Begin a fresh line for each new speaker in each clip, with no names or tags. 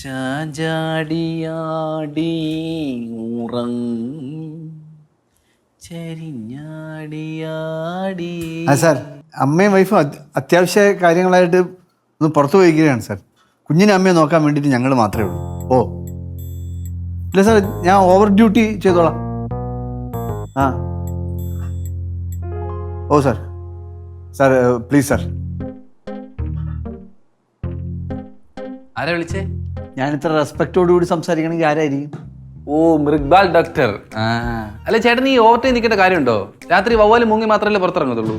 ചാഞ്ചാടിയാടി ചരിഞ്ഞാടിയാടി.
Sir അമ്മയും വൈഫും അത്യാവശ്യ കാര്യങ്ങളായിട്ട് ഒന്ന് പുറത്തു പോയിരിക്കുകയാണ് സാർ. കുഞ്ഞിനെ അമ്മയെ നോക്കാൻ വേണ്ടിയിട്ട് ഞങ്ങൾ മാത്രമേ ഉള്ളൂ. ഓ ഇല്ല സാർ, ഞാൻ ഓവർ ഡ്യൂട്ടി ചെയ്തോളാം. ആ ഓ സാർ സാർ പ്ലീസ് സാർ.
ആരാ വിളിച്ചേ?
ഞാൻ ഇത്ര റെസ്പെക്റ്റോടുകൂടി സംസാരിക്കണമെങ്കിൽ ആരായിരിക്കും?
ഓ, മൃഗ്ബാൽ ഡോക്ടർ. അല്ല ചേട്ടൻ, ഈ ഓവർ ടൈം നിൽക്കേണ്ട കാര്യമുണ്ടോ? രാത്രി വവ്വാല് മുങ്ങി മാത്രമല്ലേ പുറത്തിറങ്ങത്തുള്ളൂ.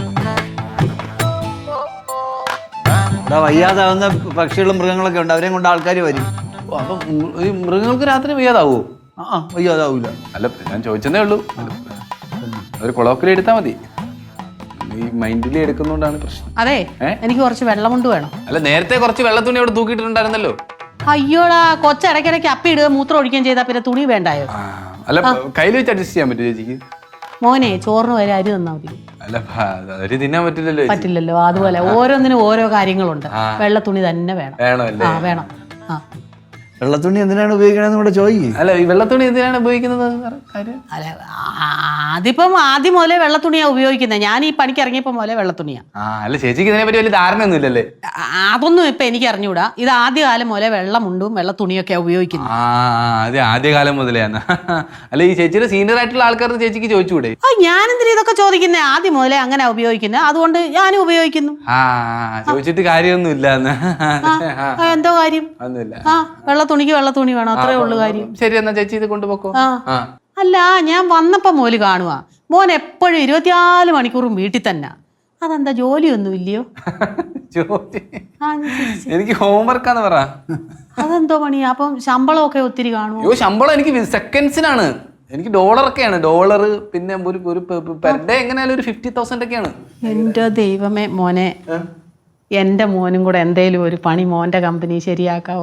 വയ്യാതാവുന്ന പക്ഷികളും മൃഗങ്ങളൊക്കെ ഉണ്ട്, അവരെയും കൊണ്ട് ആൾക്കാർ വരും.
അപ്പം ഈ മൃഗങ്ങൾക്ക് രാത്രി വയ്യാതാവോ?
വയ്യാതാവൂല.
അല്ല, ഞാൻ ചോദിച്ചതേ ഉള്ളൂ. ഒരു കൊളോക്കലി എടുത്താൽ മതി. ഈ മൈൻഡിലി എടുക്കുന്നോണ്ടാണ് പ്രശ്നം.
അതെ, എനിക്ക് കുറച്ച് വെള്ളം കൊണ്ട് വേണം.
അല്ല, നേരത്തെ കുറച്ച് വെള്ളത്തുണി അവിടെ തൂക്കിയിട്ടുണ്ടായിരുന്നല്ലോ.
അയ്യോടാ, കൊച്ചിടയ്ക്കിടയ്ക്ക് അപ്പി ഇടുക മൂത്രം ഒഴിക്കുകയും ചെയ്താൽ പിന്നെ തുണി വേണ്ടായോ?
അല്ല, കയ്യിൽ വെച്ച് അഡ്ജസ്റ്റ് ചെയ്യാൻ പറ്റും ചേച്ചിക്ക്?
മോനെ, ചോറിന് വരെ അരി തന്നാ മതി.
അല്ല, അരി തിന്നാൻ പറ്റില്ലല്ലോ.
പറ്റില്ലല്ലോ. അതുപോലെ ഓരോന്നിനും ഓരോ കാര്യങ്ങളുണ്ട്. വെള്ള തുണി തന്നെ വേണം.
വേണമല്ലേ?
വേണം.
വെള്ളത്തുണി എന്തിനാണ് ഉപയോഗിക്കണമെന്ന് കൂടെ ചോദിക്കും.
അല്ല, ഈ വെള്ളത്തുണി എന്തിനാണ് ഉപയോഗിക്കുന്നത്?
അല്ല, അതിപ്പം ആദ്യം മുതലേ വെള്ളത്തുണിയാ ഉപയോഗിക്കുന്നത്. ഞാൻ ഈ പണിക്ക് ഇറങ്ങിയപ്പോ മുതലേ വെള്ളത്തുണിയാ.
അല്ല, ചേച്ചിക്ക് ഇതിനെ പറ്റി വലിയ ധാരണ ഒന്നും ഇല്ലല്ലേ?
അതൊന്നും ഇപ്പൊ എനിക്ക് അറിഞ്ഞൂടാ. ഇത് ആദ്യകാലം മുതലേ വെള്ളമുണ്ടും വെള്ളത്തുണിയൊക്കെയാ ഉപയോഗിക്കുന്നത്.
അതെ, ആദ്യകാലം മുതലെയാണ്. അല്ല, ഈ ചേച്ചിയുടെ സീനിയർ ആയിട്ടുള്ള ആൾക്കാർക്ക് ചേച്ചിക്ക് ചോദിച്ചുകൂടെ?
ഞാനെന്തിനാ ഇതൊക്കെ ചോദിക്കുന്നേ? ആദ്യം മുതലേ അങ്ങനെ ഉപയോഗിക്കുന്നത്, അതുകൊണ്ട് ഞാനും ഉപയോഗിക്കുന്നു.
ചോദിച്ചിട്ട് കാര്യമൊന്നും ഇല്ല.
എന്തോ കാര്യം? വെള്ളത്തുണിക്ക് വെള്ളത്തുണി വേണം, അത്രേ ഉള്ളു കാര്യം.
ശരി, എന്നാ ചേച്ചി ഇത് കൊണ്ടുപോക്കോ.
അല്ല, ഞാൻ വന്നപ്പോ മോല് കാണുവാ, മോൻ എപ്പോഴും 24 മണിക്കൂറും വീട്ടിൽ തന്നെ. അതെന്താ, ജോലിയൊന്നും ഇല്ലയോ?
ജോലി എനിക്ക് ഹോംവർക്കാന്ന് പറ.
അതെന്തോ പണിയാ? അപ്പം ശമ്പളമൊക്കെ ഒത്തിരി കാണുമോ?
ശമ്പളം എനിക്ക് സെക്കൻഡ്സിനാണ്. എനിക്ക് ഡോളറൊക്കെയാണ്. ഡോളർ പിന്നെ ഒരു പെർ ഡേ എങ്ങനെയാലും ഒരു 50,000 ഒക്കെയാണ്.
എന്റെ ദൈവമേ മോനെ, എന്റെ മോനും കൂടെ എന്തേലും ഒരു പണി മോന്റെ കമ്പനി ശരിയാക്കാവോ?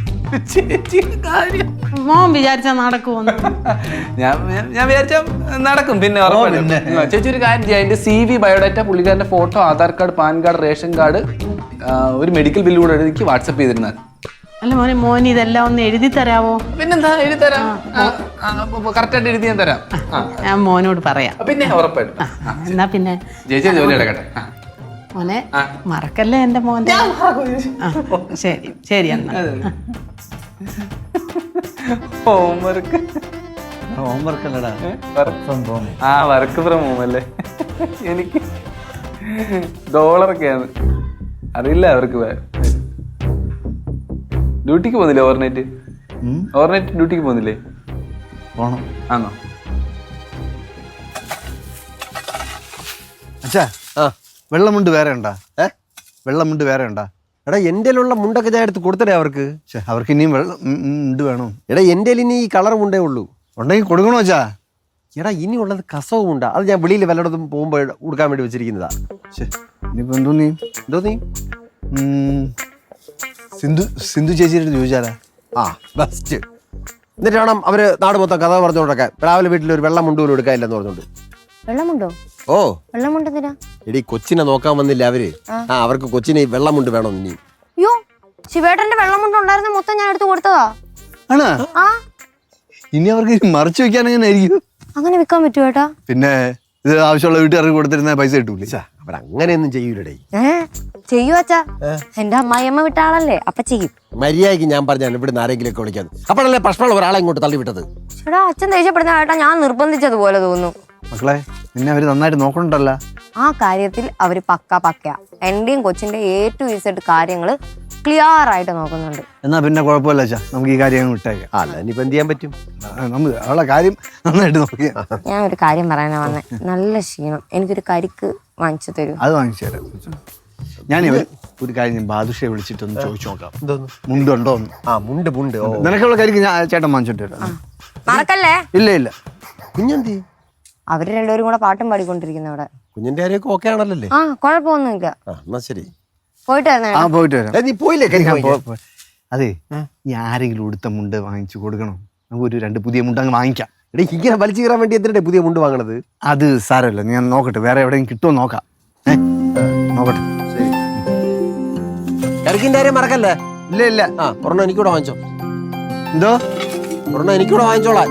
മോൻ വിചാരിച്ചാ നടക്കുമോ?
ഞാൻ വിചാരിച്ച നടക്കും. പിന്നെ ചേച്ചി ഒരു കാര്യം ചെയ്യാം, എന്റെ CV, ബയോഡാറ്റ, പുള്ളിക്കാരന്റെ photo, Aadhaar card, PAN card, ration card, ഒരു മെഡിക്കൽ ബില്ല് കൂടെ എനിക്ക് വാട്സപ്പ് ചെയ്തിരുന്നാൽ.
അല്ല മോനെ, മോൻ ഇതെല്ലാം ഒന്ന് എഴുതി തരാവോ?
പിന്നെന്താ, എഴുതി തരാം. കറക്റ്റായിട്ട് എഴുതി ഞാൻ തരാം.
ഞാൻ മോനോട് പറയാം.
പിന്നെ ഉറപ്പായിട്ടും.
എന്നാ പിന്നെ
ചേച്ചി ജോലി എടുക്കട്ടെ.
മോനെ, മറക്കല്ലേ എന്റെ മോനെ. ശരി ശരി, എന്നാ
ഹോംവർക്ക്
അല്ലടാ,
വർക്ക് ഫ്രം ഹോം അല്ലേ? എനിക്ക് ഡോളറൊക്കെയാണ്. അറിയില്ല അവർക്ക്. ഡ്യൂട്ടിക്ക് പോകുന്നില്ലേ? ഓവർനൈറ്റ് ഡ്യൂട്ടിക്ക് പോകുന്നില്ലേ?
പോണം.
ആണോ?
അച്ഛാ, വെള്ളമുണ്ട് വേറെ ഉണ്ടാ? വെള്ളമുണ്ട് വേറെ ഉണ്ടാ?
എടാ, എൻ്റെ മുണ്ടൊക്കെ ഞാൻ എടുത്ത് കൊടുത്തടേ അവർക്ക്.
അവർക്ക് ഇനിയും വെള്ളം ഉണ്ട് വേണോ?
എടാ, എൻ്റെ ഇനി ഈ കളർ മുണ്ടേ ഉള്ളൂ.
ഉണ്ടെങ്കിൽ കൊടുക്കണോ അച്ഛാ?
എടാ, ഇനി ഉള്ളത് കസവും ഉണ്ടാ. അത് ഞാൻ വെളിയിൽ വല്ലയിടത്തും പോകുമ്പോൾ കൊടുക്കാൻ വേണ്ടി വെച്ചിരിക്കുന്നതാ.
ഇനിയിപ്പോ എന്തോ നീ സിന്ധു ചേച്ചിയുടെ ചോദിച്ചാലാ?
ബെസ്റ്റ്. എന്നിട്ട് വേണം അവര് നാട് മൊത്തം കഥ പറഞ്ഞുകൊണ്ടൊക്കെ രാവിലെ വീട്ടിൽ ഒരു വെള്ളം മുണ്ട് പോലും എടുക്കാനില്ലെന്ന് പറഞ്ഞോണ്ട്.
വെള്ളമുണ്ടോ?
ഓ,
വെള്ളമുണ്ടെന്തിനാ?
എടി, കൊച്ചിനെ നോക്കാൻ വന്നില്ല അവര്. അവർക്ക് കൊച്ചിനെ വെള്ളമുണ്ട് വേണം. ഇനി
അയ്യോ, ശിവേട്ടന്റെ വെള്ളമുണ്ട് ഉണ്ടായിരുന്ന മൊത്തം ഞാൻ എടുത്ത് കൊടുത്തതാ.
ആണോ? ഇനി അവർക്ക് മറച്ചു വെക്കാൻ എങ്ങനെ ആയിരിക്കും?
അങ്ങനെ വിൽക്കാൻ പറ്റുമോ ഏട്ടാ?
പിന്നെ ഇത് ആവശ്യമുള്ള വീട്ടുകാർക്ക് കൊടുത്തിരുന്ന പൈസ കിട്ടൂലേ?
അവരങ്ങനെയൊന്നും ചെയ്യൂലേ.
ചെയ്യൂ അച്ഛാ, എന്റെ അമ്മായിയമ്മ വിട്ട ആളല്ലേ, അപ്പൊ ചെയ്യും.
മര്യാദയ്ക്ക് ഞാൻ പറഞ്ഞാണ് ഇവിടുന്ന് ആരെങ്കിലും ഒക്കെ വിളിക്കാന്ന്. അപ്പോഴല്ലേ പ്രശ്നമുള്ള ഒരാളെ ഇങ്ങോട്ട് തള്ളി വിട്ടത്.
എടാ, അച്ഛൻ ദേഷ്യപ്പെടുന്ന ഏട്ടാ ഞാൻ നിർബന്ധിച്ചതുപോലെ തോന്നുന്നു.
മക്കളെ, നിന്നെ അവര് നന്നായിട്ട് നോക്കണ്ടല്ലോ.
ആ കാര്യത്തിൽ അവര് പക്കയാ. എന്റെയും കൊച്ചിന്റെ A to Z കാര്യങ്ങള് ക്ലിയർ ആയിട്ട് നോക്കുന്നുണ്ട്.
എന്നാ പിന്നെ കുഴപ്പമില്ല അച്ഛാ, നമുക്ക് ഈ കാര്യം വിട്ടേക്കാം.
അല്ല, ഇനിയിപ്പോ എന്ത് ചെയ്യാൻ പറ്റും?
നമുക്ക് അവളെ കാര്യം നന്നായിട്ട് നോക്കിയാ.
ഞാൻ ഒരു കാര്യം പറയാനാ വന്നേ. നല്ല ക്ഷീണം, എനിക്കൊരു കരിക്ക് വാങ്ങിച്ചു തരൂ.
അത് വാങ്ങിച്ചു തരാം. ഞാൻ ഒരു കാര്യം, ഞാൻ ബാദുഷയെ വിളിച്ചിട്ടൊന്ന് ചോദിച്ചു നോക്കാം. മുണ്ടുണ്ടോ?
മുണ്ട്.
നിനക്കുള്ള കരിക്ക് ഞാൻ ചേട്ടൻ വാങ്ങിച്ചോട്ട് വരാം.
മറക്കല്ലേ?
ഇല്ല.
കുഞ്ഞെന്തി?
അവര് രണ്ടുപേരും കൂടെ പാട്ടും പാടിക്കൊണ്ടിരിക്കുന്ന അവിടെ.
കുഞ്ഞിന്റെ കാര്യമൊക്കെ ഓക്കെ ആണല്ലേ?
കുഴപ്പമൊന്നുമില്ല.
എന്നാ ശരി,
പോയിട്ട്
വരാം. നീ പോയില്ലേ?
അതെ, ഈ ആരെങ്കിലും ഉടുത്ത മുണ്ട് വാങ്ങിച്ചു കൊടുക്കണം. നമുക്ക് ഒരു 2 പുതിയ മുണ്ട് അങ്ങ് വാങ്ങിക്കാം.
എടേ, ഇങ്ങനെ വലിച്ചു കയറാൻ വേണ്ടി എന്തിനാ പുതിയ മുണ്ട് വാങ്ങണത്?
അത് സാരമല്ല, ഞാൻ നോക്കട്ടെ, വേറെ എവിടെയും കിട്ടുമോ നോക്കാം. നോക്കട്ടെ.
കരിക്കിന്റെ കാര്യം മറക്കല്ലേ?
ഇല്ല ഇല്ല.
ആ ഒരെണ്ണം എനിക്കൂടെ വാങ്ങിച്ചോ.
എന്തോ?
ഒരെണ്ണം എനിക്കൂടെ വാങ്ങിച്ചോളാം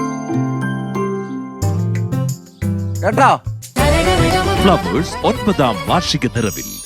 കേട്ടോ.
ഫ്ലവേഴ്സ് 9ാം വാർഷിക നിറവിൽ